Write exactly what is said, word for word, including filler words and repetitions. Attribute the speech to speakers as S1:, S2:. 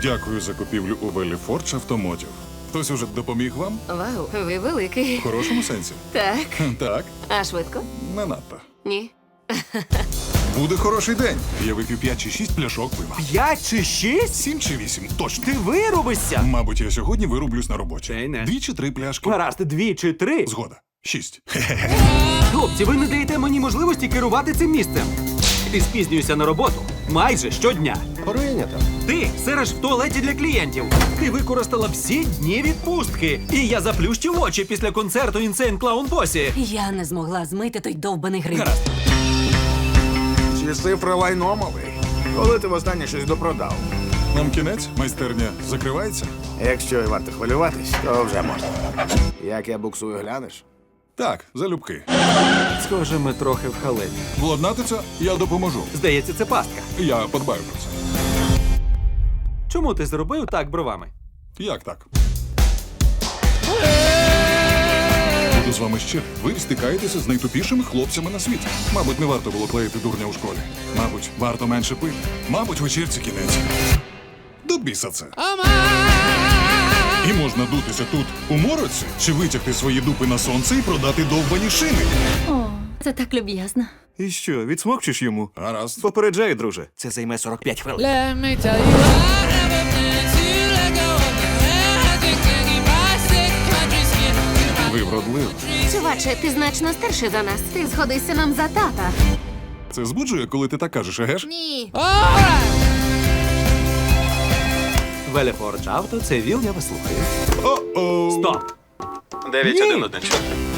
S1: Дякую за купівлю у Велі Фордж автомотів. Хтось уже допоміг вам?
S2: Вау, ви великий.
S1: В хорошому сенсі?
S2: Так.
S1: Так,
S2: А швидко?
S1: не надто.
S2: Ні.
S1: Буде хороший день. Я вип'ю п'ять чи шість пляшок пива.
S3: П'ять чи шість?
S1: Сім чи вісім, точно.
S3: Ти вирубишся.
S1: Мабуть, я сьогодні вирублюсь на роботі.
S3: Та й не.
S1: Дві чи три пляшки.
S3: Гаразд, дві чи три.
S1: Згода. Шість.
S3: Хлопці, ви не даєте мені можливості керувати цим місцем. Ти спізнюєшся на роботу майже щодня.
S4: Прийнято.
S3: Ти сириш в туалеті для клієнтів. Ти використала всі дні відпустки. І я заплющив очі після концерту Insane Clown Posse.
S2: Я не змогла змити той довбаний гриб.
S3: Гаразд.
S4: Ці цифри лайномовий. Коли ти востаннє щось допродав?
S1: Нам кінець, майстерня закривається?
S4: Якщо і варто хвилюватись, то вже можна. Як я буксую, глянеш?
S1: Так, залюбки.
S3: Схоже, ми трохи в халепі.
S1: Владнатися я допоможу.
S3: Здається, це пастка.
S1: Я подбаю про це.
S3: Чому ти зробив так бровами?
S1: Як так? Буду з вами щирий. Ви стикаєтеся з найтупішими хлопцями на світі. Мабуть, не варто було клеїти дурня у школі. Мабуть, варто менше пити. Мабуть, вечірці кінець. До біса це. І можна дутися тут у мороці, чи витягти свої дупи на сонце і продати довбані шини.
S2: О, це так люб'язно.
S5: І що, відсмокчеш йому?
S1: Гаразд.
S5: Попереджаю, друже. Це займе сорок п'ять хвилин.
S6: Let me tell you, I never meant to let go of the magic and keep my sick country skin.
S1: Ви вродливі.
S2: Чуваче, ти значно старший за нас. Ти згодишся нам за тата.
S1: Це збуджує, коли ти так кажеш, еге ж?
S2: Ні.
S6: Alright.
S3: Велефордж авто, це віл, я вас слухаю.
S1: О-оу.
S3: Стоп!
S5: дев'ять один один чотири.